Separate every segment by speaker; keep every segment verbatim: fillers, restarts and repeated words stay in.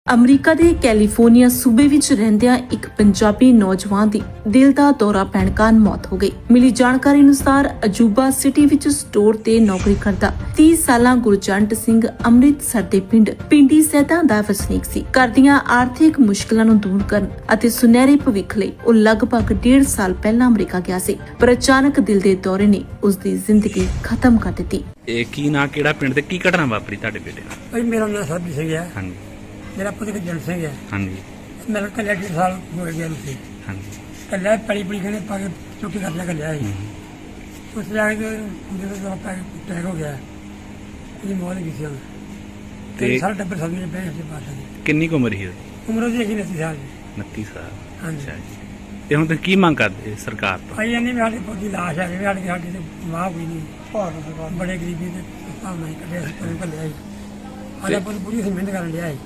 Speaker 1: America ਦੇ California ਸੂਬੇ ਵਿੱਚ ਰਹਿੰਦਿਆਂ ਇੱਕ ਪੰਜਾਬੀ ਨੌਜਵਾਨ ਦੀ ਦਿਲ ਦਾ ਦੌਰਾ ਪੈਣ ਕਾਰਨ ਮੌਤ ਹੋ ਗਈ। ਮਿਲੀ ਜਾਣਕਾਰੀ ਅਨੁਸਾਰ ਅਜੂਬਾ ਸਿਟੀ ਵਿੱਚ ਸਟੋਰ ਤੇ ਨੌਕਰੀ ਕਰਦਾ ਤੀਹ ਸਾਲਾ ਗੁਰਜੰਟ ਸਿੰਘ ਅੰਮ੍ਰਿਤਸਰ ਦੇ ਪਿੰਡ ਪਿੰਡੀ ਸੈਦਾ ਦਾ ਵਸਨੀਕ ਸੀ। ਘਰ ਦੀਆਂ ਆਰਥਿਕ ਮੁਸ਼ਕਲਾਂ ਨੂੰ ਦੂਰ ਕਰਨ ਅਤੇ ਸੁਨਹਿਰੇ ਭਵਿੱਖ ਲਈ ਉਹ ਲਗਭਗ ਡੇਢ ਸਾਲ ਪਹਿਲਾਂ ਅਮਰੀਕਾ ਗਿਆ ਸੀ, ਪਰ ਅਚਾਨਕ ਦਿਲ ਦੇ ਦੌਰੇ ਨੇ ਉਸ ਦੀ ਜ਼ਿੰਦਗੀ ਖਤਮ ਕਰ ਦਿੱਤੀ।
Speaker 2: ਇਹ ਕੀ ਨਾ ਕਿਹੜਾ ਪਿੰਡ ਤੇ ਕੀ ਘਟਨਾ ਵਾਪਰੀ ਤੁਹਾਡੇ ਬੇਟੇ ਨਾਲ?
Speaker 3: ਭਾਈ ਮੇਰਾ ਨਾਮ ਸਰਬਜੀਤ ਸਿੰਘ ਹੈ।
Speaker 2: ਹਾਂਜੀ
Speaker 3: ਮੇਰਾ ਪੁੱਤ ਗੁਰਜੰਟ ਸਿੰਘ ਹੈ।
Speaker 2: ਹਾਂਜੀ
Speaker 3: ਮੇਰਾ ਕੱਲਿਆ ਡੇਢ ਸਾਲ ਹੋ ਗਿਆ ਸੀ।
Speaker 2: ਹਾਂਜੀ
Speaker 3: ਕੱਲਿਆ ਪੜੀ ਪੜੀ ਕਹਿੰਦੇ ਪਾ ਕੇ ਚੁੱਕੀ ਕਰ ਲਿਆ ਕੱਲਿਆ ਸੀ। ਉਸ ਜਾ ਕੇ ਜਦੋਂ ਦਾ ਪਾ ਕੇ ਟੈਗ ਹੋ ਗਿਆ ਇਹ ਮੌਤ ਹੋ ਗਈ ਸੀ।
Speaker 2: ਤੇ
Speaker 3: ਤੇ ਸਾਰਾ ਟੱਬਰ ਸਦਮੇ ਚ ਪੈ ਗਿਆ ਸੀ ਬਾਤਾਂ ਦੀ।
Speaker 2: ਕਿੰਨੀ ਕੁ ਉਮਰ ਸੀ ਉਹਦੀ?
Speaker 3: ਉਮਰ ਉਹਦੀ ਹੈਗੀ ਉਨੱਤੀ ਸਾਲ ਦੀ।
Speaker 2: ਉਨੱਤੀ ਸਾਲ।
Speaker 3: ਹਾਂਜੀ।
Speaker 2: ਅੱਛਾ ਜੀ। ਤੇ ਹੁਣ ਤੁਸੀਂ ਕੀ ਮੰਗ ਕਰਦੇ ਸਰਕਾਰ ਤੋਂ?
Speaker 3: ਭਾਈ ਇਹਨੇ ਵੀ ਸਾਡੇ ਪੁੱਤ ਦੀ ਲਾਸ਼ ਆ ਗਈ ਸਾਡੇ ਸਾਡੇ ਤੇ ਵਾਹ ਕੋਈ ਨਹੀਂ ਭਾਰਤ ਸਰਕਾਰ ਬੜੇ ਗਰੀਬੀ ਦੇ ਹਿਸਾਬ ਨਾਲ ਹੀ ਕੱਢਿਆ ਸੀ ਪਰ ਕੱਲਿਆ ਸੀ। ਸਾਡਾ ਪੁੱਤ ਪੂਰੀ ਮਿਹਨਤ ਕਰਨ ਲਿਆ ਸੀ।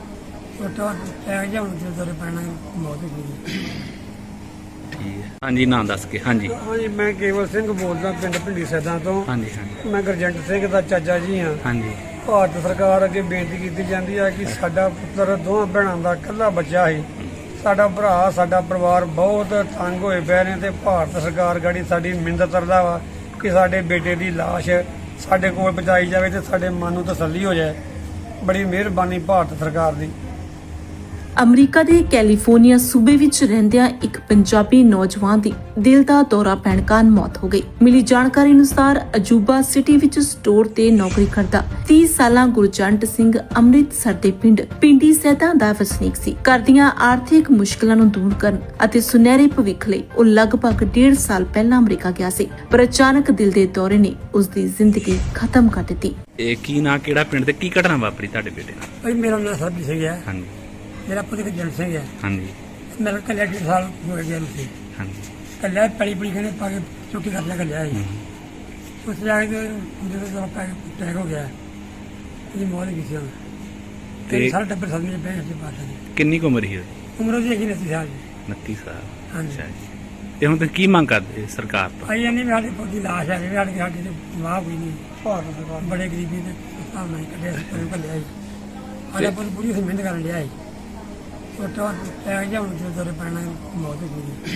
Speaker 3: ਛੋਟਾ ਟੈਗ ਜਿਹਾ ਹੁਣ ਜਦੋਂ ਦੇ ਪੈਣਾ ਮੌਤ ਹੋ ਗਈ।
Speaker 2: ਠੀਕ ਹੈ। ਹਾਂਜੀ ਨਾਂ ਦੱਸ ਕੇ। ਹਾਂਜੀ
Speaker 3: ਹਾਂਜੀ ਮੈਂ ਕੇਵਲ ਸਿੰਘ ਬੋਲਦਾ ਪਿੰਡ ਪਿੰਡੀ ਸੈਦਾਂ ਤੋਂ।
Speaker 2: ਹਾਂਜੀ ਹਾਂਜੀ
Speaker 3: ਮੈਂ ਗੁਰਜੰਟ ਸਿੰਘ ਦਾ ਚਾਚਾ ਜੀ ਹਾਂ।
Speaker 2: ਹਾਂਜੀ
Speaker 3: ਭਾਰਤ ਸਰਕਾਰ ਅੱਗੇ ਬੇਨਤੀ ਕੀਤੀ ਜਾਂਦੀ ਹੈ ਕਿ ਸਾਡਾ ਪੁੱਤਰ ਦੋਹਾਂ ਭੈਣਾਂ ਦਾ ਇਕੱਲਾ ਬੱਚਾ ਸੀ। ਸਾਡਾ ਭਰਾ ਸਾਡਾ ਪਰਿਵਾਰ ਬਹੁਤ ਤੰਗ ਹੋਏ ਪਏ ਨੇ ਤੇ ਭਾਰਤ ਸਰਕਾਰ ਗਾੜੀ ਸਾਡੀ ਮਿੰਨਤ ਕਰਦਾ ਵਾ ਕਿ ਸਾਡੇ ਬੇਟੇ ਦੀ ਲਾਸ਼ ਸਾਡੇ ਕੋਲ ਪਹੁੰਚਾਈ ਜਾਵੇ ਤੇ ਸਾਡੇ ਮਨ ਨੂੰ ਤਸੱਲੀ ਹੋ ਜਾਏ। ਬੜੀ ਮਿਹਰਬਾਨੀ ਭਾਰਤ ਸਰਕਾਰ ਦੀ।
Speaker 1: ਅਮਰੀਕਾ ਦੇ ਕੈਲੀਫੋਰਨੀਆ ਸੂਬੇ ਵਿੱਚ ਰਹਿੰਦਿਆਂ ਇੱਕ ਪੰਜਾਬੀ ਨੌਜਵਾਨ ਦੀ ਦਿਲ ਦਾ ਦੌਰਾ ਪੈਣ ਕਾਰਨ ਮੌਤ ਹੋ ਗਈ। ਮਿਲੀ ਜਾਣਕਾਰੀ ਅਨੁਸਾਰ ਅਜੂਬਾ ਸਿਟੀ ਵਿੱਚ ਸਟੋਰ ਤੇ ਨੌਕਰੀ ਕਰਦਾ ਤੀਹ ਸਾਲਾ ਗੁਰਜੰਟ ਸਿੰਘ ਅੰਮ੍ਰਿਤਸਰ ਦੇ ਪਿੰਡ ਪਿੰਡੀ ਸੈਦਾ ਦਾ ਵਸਨੀਕ ਸੀ। ਘਰ ਦੀਆਂ ਆਰਥਿਕ ਮੁਸ਼ਕਲਾਂ ਨੂੰ ਦੂਰ ਕਰਨ ਅਤੇ ਸੁਨਹਿਰੇ ਭਵਿੱਖ ਲਈ ਉਹ ਲਗਭਗ ਡੇਢ ਸਾਲ ਪਹਿਲਾਂ ਅਮਰੀਕਾ ਗਿਆ ਸੀ, ਪਰ ਅਚਾਨਕ ਦਿਲ ਦੇ ਦੌਰੇ ਨੇ ਉਸ ਦੀ ਜ਼ਿੰਦਗੀ ਖਤਮ ਕਰ ਦਿੱਤੀ।
Speaker 2: ਇਹ ਕੀ ਨਾ ਕਿਹੜਾ ਪਿੰਡ ਤੇ ਕੀ ਘਟਨਾ ਵਾਪਰੀ ਤੁਹਾਡੇ ਬੇਟੇ ਨਾਲ?
Speaker 3: ਭਾਈ ਮੇਰਾ ਨਾਮ ਸਰਬਜੀਤ ਸਿੰਘ ਹੈ।
Speaker 2: ਹਾਂਜੀ
Speaker 3: ਮੇਰਾ ਪੁੱਤ ਗੁਰਜੰਟ ਸਿੰਘ ਹੈ।
Speaker 2: ਹਾਂਜੀ
Speaker 3: ਮੇਰਾ ਕੱਲਿਆ ਡੇਢ ਸਾਲ ਹੋ ਗਿਆ ਸੀ।
Speaker 2: ਹਾਂਜੀ
Speaker 3: ਕੱਲਿਆ ਪੜੀ ਪੜੀ ਕਹਿੰਦੇ ਪਾ ਕੇ ਚੁੱਕੀ ਕਰ ਲਿਆ ਕੱਲਿਆ ਸੀ। ਉਸ ਜਾ ਕੇ ਜਦੋਂ ਦਾ ਪਾ ਕੇ ਟੈਗ ਹੋ ਗਿਆ ਇਹ ਮੌਤ ਹੋ ਗਈ ਸੀ। ਤੇ
Speaker 2: ਤੇ
Speaker 3: ਸਾਰਾ ਟੱਬਰ ਸਦਮੇ ਚ ਪੈ ਗਿਆ ਸੀ ਬਾਤਾਂ ਦੀ।
Speaker 2: ਕਿੰਨੀ ਕੁ ਉਮਰ ਸੀ ਉਹਦੀ?
Speaker 3: ਉਮਰ ਉਹਦੀ ਹੈਗੀ ਉਨੱਤੀ ਸਾਲ ਦੀ।
Speaker 2: ਉਨੱਤੀ ਸਾਲ।
Speaker 3: ਹਾਂਜੀ।
Speaker 2: ਅੱਛਾ ਜੀ। ਤੇ ਹੁਣ ਤੁਸੀਂ ਕੀ ਮੰਗ ਕਰਦੇ ਸਰਕਾਰ ਤੋਂ?
Speaker 3: ਭਾਈ ਇਹਨੇ ਵੀ ਸਾਡੇ ਪੁੱਤ ਦੀ ਲਾਸ਼ ਆ ਗਈ ਸਾਡੇ ਸਾਡੇ ਤੇ ਵਾਹ ਕੋਈ ਨਹੀਂ ਭਾਰਤ ਸਰਕਾਰ ਬੜੇ ਗਰੀਬੀ ਦੇ ਹਿਸਾਬ ਨਾਲ ਹੀ ਕੱਢਿਆ ਸੀ ਪਰ ਕੱਲਿਆ ਸੀ। ਸਾਡਾ ਪੁੱਤ ਪੂਰੀ ਮਿਹਨਤ ਕਰਨ ਲਿਆ ਸੀ। ਛੋਟਾ ਟੈਗ ਜਿਹਾ ਹੁਣ ਜਦੋਂ ਦੇ ਪੈਣਾ ਮੌਤ ਹੋ ਗਈ।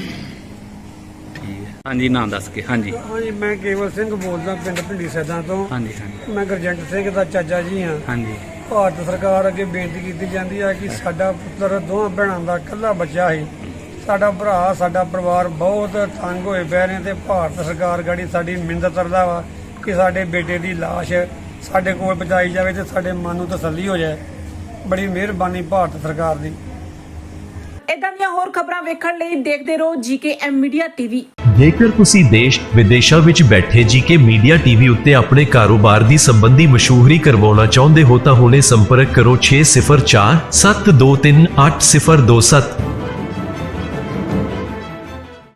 Speaker 2: ਠੀਕ ਹੈ। ਹਾਂਜੀ ਨਾਂ ਦੱਸ ਕੇ। ਹਾਂਜੀ
Speaker 3: ਹਾਂਜੀ ਮੈਂ ਕੇਵਲ ਸਿੰਘ ਬੋਲਦਾ ਪਿੰਡ ਪਿੰਡੀ ਸੈਦਾਂ ਤੋਂ।
Speaker 2: ਹਾਂਜੀ ਹਾਂਜੀ
Speaker 3: ਮੈਂ ਗੁਰਜੰਟ ਸਿੰਘ ਦਾ ਚਾਚਾ ਜੀ ਹਾਂ।
Speaker 2: ਹਾਂਜੀ
Speaker 3: ਭਾਰਤ ਸਰਕਾਰ ਅੱਗੇ ਬੇਨਤੀ ਕੀਤੀ ਜਾਂਦੀ ਹੈ ਕਿ ਸਾਡਾ ਪੁੱਤਰ ਦੋਹਾਂ ਭੈਣਾਂ ਦਾ ਇਕੱਲਾ ਬੱਚਾ ਸੀ। ਸਾਡਾ ਭਰਾ ਸਾਡਾ ਪਰਿਵਾਰ ਬਹੁਤ ਤੰਗ ਹੋਏ ਪਏ ਨੇ ਤੇ ਭਾਰਤ ਸਰਕਾਰ ਗਾੜੀ ਸਾਡੀ ਮਿੰਨਤ ਕਰਦਾ ਵਾ ਕਿ ਸਾਡੇ ਬੇਟੇ ਦੀ ਲਾਸ਼ ਸਾਡੇ ਕੋਲ ਪਹੁੰਚਾਈ ਜਾਵੇ ਤੇ ਸਾਡੇ ਮਨ ਨੂੰ ਤਸੱਲੀ ਹੋ ਜਾਏ। ਬੜੀ ਮਿਹਰਬਾਨੀ ਭਾਰਤ ਸਰਕਾਰ ਦੀ।
Speaker 1: ਇਦਾਂ ਦੀਆਂ ਹੋਰ ਖਬਰਾਂ ਵੇਖਣ ਲਈ ਦੇਖਦੇ ਰਹੋ ਜੀਕੇ ਐਮ ਮੀਡੀਆ ਟੀਵੀ।
Speaker 4: ਜੇਕਰ ਤੁਸੀਂ ਦੇਸ਼ ਵਿਦੇਸ਼ਾਂ ਵਿੱਚ ਬੈਠੇ ਜੀਕੇ ਮੀਡੀਆ ਟੀਵੀ ਉੱਤੇ ਆਪਣੇ ਕਾਰੋਬਾਰ ਦੀ ਸੰਬੰਧੀ ਮਸ਼ਹੂਰੀ ਕਰਵਾਉਣਾ ਚਾਹੁੰਦੇ ਹੋ ਤਾਂ ਹੁਣੇ ਸੰਪਰਕ ਕਰੋ ਛੇ ਸਿਫਰ ਚਾਰ ਸੱਤ ਦੋ ਤਿੰਨ ਅੱਠ ਸਿਫਰ ਦੋ ਸੱਤ।